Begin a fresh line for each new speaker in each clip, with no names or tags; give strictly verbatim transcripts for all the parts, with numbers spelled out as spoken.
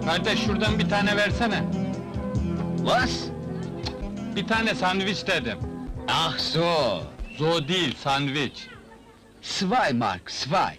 Kardeş şuradan bir tane versene.
Was?
Bir tane sandviç dedim.
Ach so.
Zo değil, sandviç.
Zwei Mark, zwei.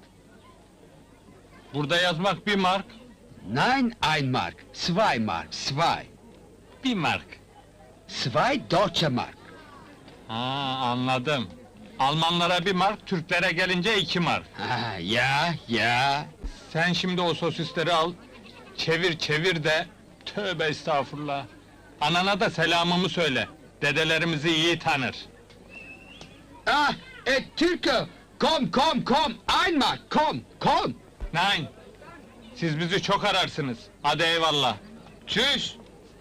Burada yazmak bir mark,
Nein, ein Mark. Zwei Mark, zwei.
bir mark.
Zwei Deutsche Mark.
Ha, anladım. Almanlara bir mark, Türklere gelince iki mark.
Ha, ya, ya.
Sen şimdi o sosisleri al, çevir çevir de... Tövbe estağfurullah! Anana da selamımı söyle, dedelerimizi iyi tanır.
Ah, et Türke. Komm, komm, komm. Ein Mark, komm, komm.
Nein! Siz bizi çok ararsınız, hadi eyvallah!
Tschüss.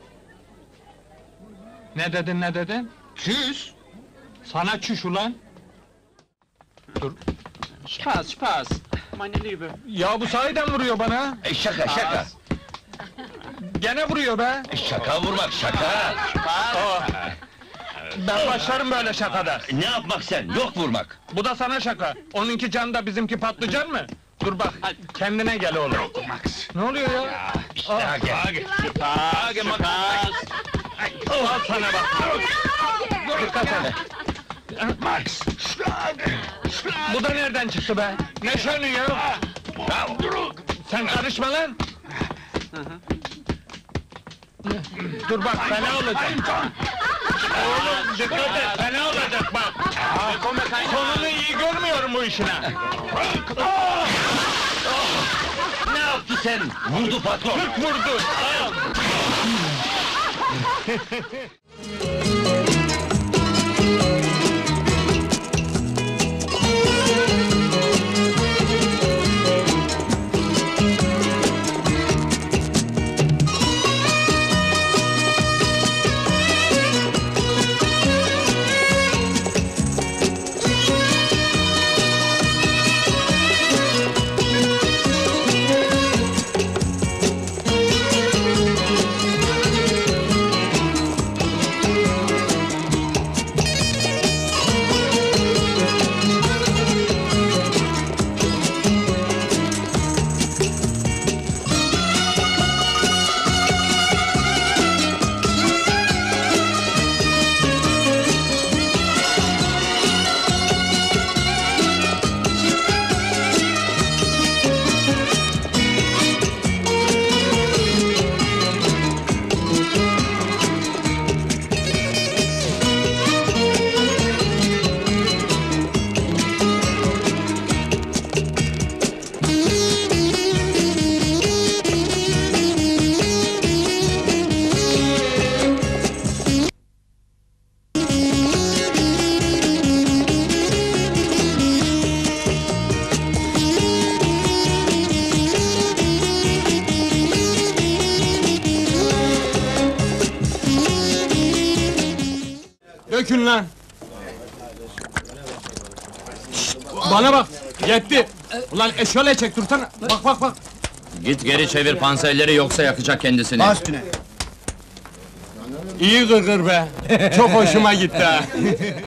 Ne dedin, ne dedin?
Tschüss.
Sana çüş ulan! Dur!
Spaß, Spaß, meine Liebe.
Ya bu sahiden vuruyor bana!
E, şaka, şaka.
Gene vuruyor be!
Şaka vurmak, şaka.
Aa, ben başlarım böyle şakada!
Ne yapmak sen? Yok vurmak.
Bu da sana şaka! Onunki can da bizimki patlıcan mı? Dur bak, kendine gel oğlum!
Max.
Ne oluyor ya?
İşte
Aa,
hadi.
Spaß, Spaß! Al sana bak! Dikkat et!
Max.
Bu da nereden çıktı be? Ne şönü ya? Sen karışma lan! Dur bak, fena olacak! Oğlum, dikkat et, fena olacak bak! Sonunu iyi görmüyorum bu işine!
Ne yaptı sen? Vurdu patron.
Kırk vurdu! Al! Dökün lan! Şşt, bana bak! Yetti! Ulan eşyale çek dursana! Bak bak bak!
Git geri çevir panserleri yoksa yakacak kendisini.
İyi gırgır be! Çok hoşuma gitti ha!